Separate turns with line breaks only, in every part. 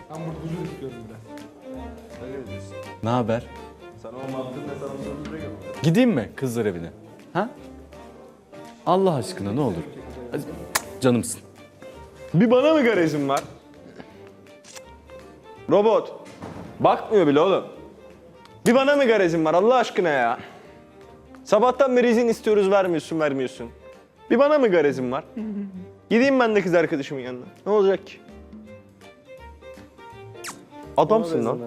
Ben burducu istiyorum biraz.
Öyle diyorsun.
Ne haber?
Sana o mantığın ne sana sorduğunu göre.
Gideyim mi kızlar evine? Ha? Allah aşkına ne olur. Hadi, canımsın.
Bir bana mı garezin var? Robot. Bakmıyor bile oğlum. Bir bana mı garezin var Allah aşkına ya? Sabahtan beri izin istiyoruz vermiyorsun. Bir bana mı garezin var? Gideyim ben de kız arkadaşımın yanına. Ne olacak ki? Adamsın lan.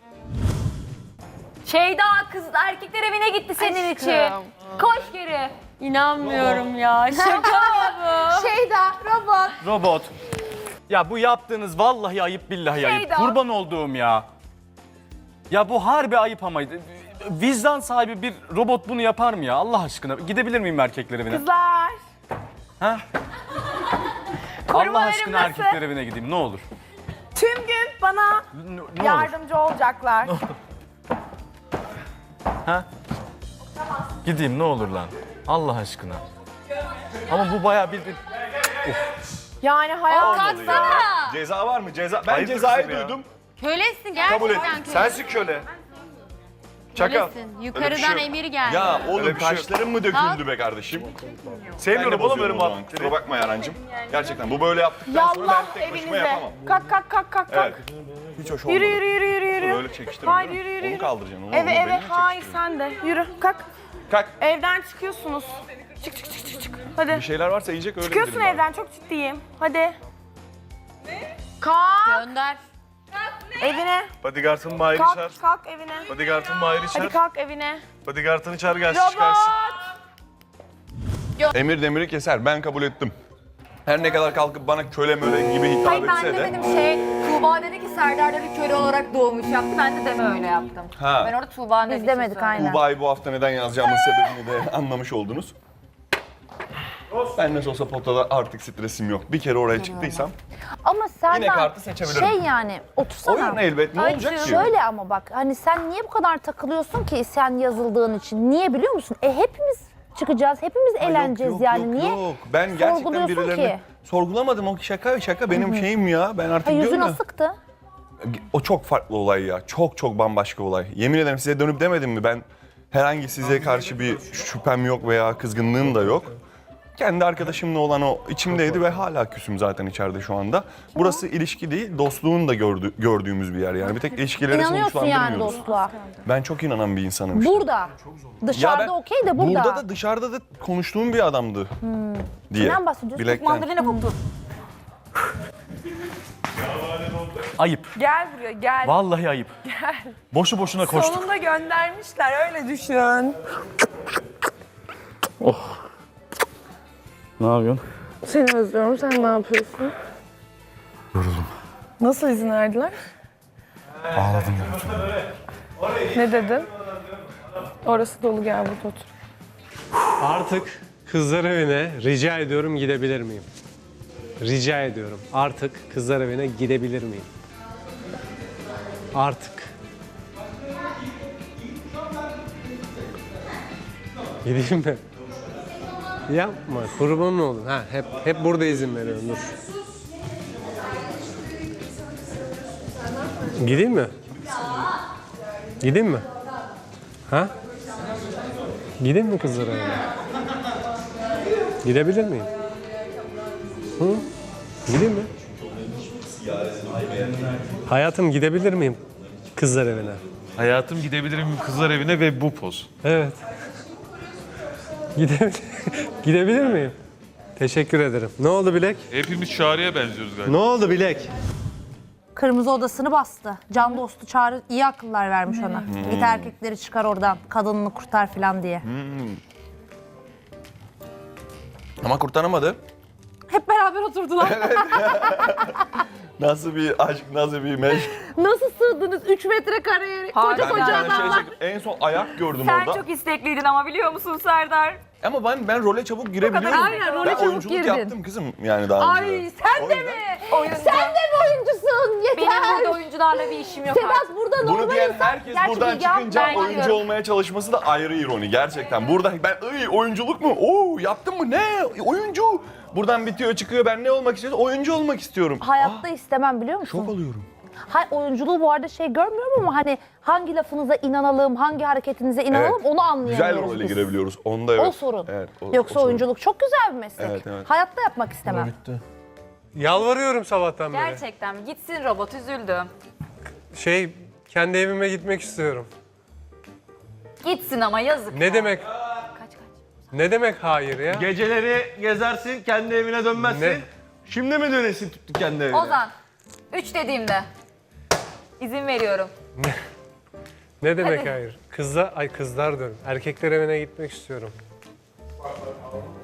Şeyda kız erkekler evine gitti senin için. Koş geri. İnanmıyorum ya. Şaka bu.
Şeyda, robot.
Robot. Ya bu yaptığınız vallahi ayıp billahi ayıp.
Şeyda.
Kurban olduğum ya. Ya bu harbi ayıp ama vicdan sahibi bir robot bunu yapar mı ya Allah aşkına? Gidebilir miyim erkekler evine?
Kızlar.
Ha? Allah aşkına erkekler evine gideyim ne olur.
Tüm gün bana
Ne olur.
yardımcı olacaklar.
Ha? Gideyim ne olur lan. Allah aşkına. Ama bu bayağı bir...
Yani hayat
Ceza var mı? Ceza. Ben
Ayıptır
cezayı
kızım ya.
duydum.
Kölesin
Kabul et.
gerçekten köle.
Sensin köle. Çakal.
Kölesin.
Öyle bir
Yukarıdan
şey yok.
emir geldi.
Ya oğlum
Öyle bir şey yok.
kaşların mı döküldü be kardeşim?
Sevmiyorum oğlum öyle
Kusura
muhabbetleri.
bakma Yarancığım. Gerçekten bu böyle yaptıktan sonra
yallah
ben tek başıma
evinize.
yapamam.
Kalk.
Evet. Hiç hoş olmadı.
Yürü.
Böyle çekiştirme.
Hayır,
değil mi?
yürü.
Onu kaldıracaksın. Onu,
Eve
onu belini
hayır
çekiştir.
sen de. Yürü kalk.
Kalk.
Evden çıkıyorsunuz. Çık. Hadi.
Bir şeyler varsa yiyecek öyle
Çıkıyorsun
gidelim
evden çok ciddiyim. Hadi. Kalk
Gönder.
evine.
Bodyguard'ın Mahir'i çağır.
Kalk evine.
Bodyguard'ın Mahir'i
Hadi
çağır.
kalk evine.
Bodyguard'ını çağır gelsin
Robot.
çıkarsın.
Emir demiri keser. Ben kabul ettim. Her ne kadar kalkıp bana köle möle gibi hitap
Hayır ben
etse de.
demedim Tuğba dedi ki Serdar dedi köle olarak doğmuş yaptı. Ben de deme öyle yaptım.
Ha.
Ben orada Tuğba'nın
Biz demedik aynen.
Tuğba'yı bu hafta neden yazacağımın sebebini de anlamış oldunuz. Ben nasıl olsa potada artık stresim yok. Bir kere oraya çıktıysam
Ama
yine
Serdar
kartı seçebilirim.
şey yani otursana.
Oyun elbet ne olacak ki?
Şöyle ama bak hani sen niye bu kadar takılıyorsun ki sen yazıldığın için? Niye biliyor musun? Hepimiz çıkacağız, hepimiz eğleneceğiz
Yok,
yani.
yok,
Niye?
yok. Ben gerçekten
sorguluyorsun
birilerini
ki?
sorgulamadım. O şaka benim şeyim ya. Ben artık
Ha, yüzün
diyorum ya.
asıktı.
O çok farklı olay ya. Çok bambaşka olay. Yemin ederim size dönüp demedim mi? Ben herhangi size karşı bir şüphem yok veya kızgınlığım da yok. Kendi arkadaşımla olan o içimdeydi ve hala küsüm zaten içeride şu anda. Burası ilişki değil, dostluğun da gördüğümüz bir yer yani. Bir tek ilişkileri
İnanıyorsun yani
sonuçlandırmıyoruz.
dostluğa.
Ben çok inanan bir insanım işte.
Burada. Dışarıda okey de burada.
Burada da dışarıda da konuştuğum bir adamdı diye.
Kimden bahsediyorsun?
Bilekten.
Mandalina koktu.
Ayıp.
Gel buraya gel.
Vallahi ayıp. Boşu boşuna koştuk.
Sonunda göndermişler öyle düşün.
Ne yapıyorsun?
Seni özlüyorum. Sen ne yapıyorsun?
Yoruldum.
Nasıl izin verdiler?
Ağladım ya.
Ne dedin? Orası dolu gel burada otur.
Artık kızlar evine rica ediyorum gidebilir miyim? Rica ediyorum. Artık kızlar evine gidebilir miyim? Artık. Gideyim mi? Yapma. Kurban olun. Ha, hep burada izin veriyorum. Dur. Gideyim mi? Gideyim mi? Ha? Gideyim mi kızlar evine? Gidebilir miyim? Hı? Gideyim mi? Hayatım gidebilir miyim kızlar evine?
Hayatım gidebilirim kızlar evine ve bu poz.
Evet. Gidebilir miyim? Teşekkür ederim. Ne oldu Bilek?
Hepimiz Çağrı'ya benziyoruz galiba.
Ne oldu Bilek?
Kırmızı odasını bastı. Can dostu Çağrı iyi akıllar vermiş ona. Git erkekleri çıkar oradan. Kadınını kurtar falan diye.
Ama kurtaramadı.
Hep beraber oturdular.
Nasıl bir aşk, nasıl bir meşk.
Nasıl sığdınız 3 metrekareye? Koca
Ben bir
koca
tane
adamlar.
en son ayak gördüm
Sen
orada.
çok istekliydin ama biliyor musun Serdar?
Ama ben role çabuk girebiliyorum.
Aynen, role
ben
çabuk
oyunculuk
girdin.
yaptım kızım yani daha önce.
Ay sen de mi?
Oyuncu.
Sen de mi oyuncusun? Yeter.
Benim burada oyuncularla bir işim yok artık.
Sedat burada
Bunu
normal
diyen
insan.
herkes
Gerçi
buradan
Bilge abla
çıkınca
ben
oyuncu
diyorum.
olmaya çalışması da ayrı ironi gerçekten. Burada ben oyunculuk mu? Oo yaptın mı? Ne? Oyuncu. Buradan bitiyor çıkıyor ben ne olmak istiyorum? Oyuncu olmak istiyorum.
Hayatta istemem biliyor musun?
Şok oluyorum.
Oyunculuğu bu arada şey görmüyorum ama hani hangi lafınıza inanalım, hangi hareketinize inanalım
Evet.
onu anlayamıyoruz
Güzel role
biz.
girebiliyoruz. Onda evet.
O sorun.
Evet,
Yoksa
sorun.
oyunculuk çok güzel bir meslek.
Evet, evet.
Hayatta yapmak istemem.
Yalvarıyorum sabahtan beri.
Gerçekten gitsin robot, üzüldüm.
Kendi evime gitmek istiyorum.
Gitsin ama yazık.
Ne demek? Ne demek hayır ya?
Geceleri gezersin, kendi evine dönmezsin.
Ne?
Şimdi mi dönesin kendi evine?
Ozan, 3 dediğimde izin veriyorum.
Ne demek
Hadi.
hayır? Kızlar diyorum. Erkekler evine gitmek istiyorum.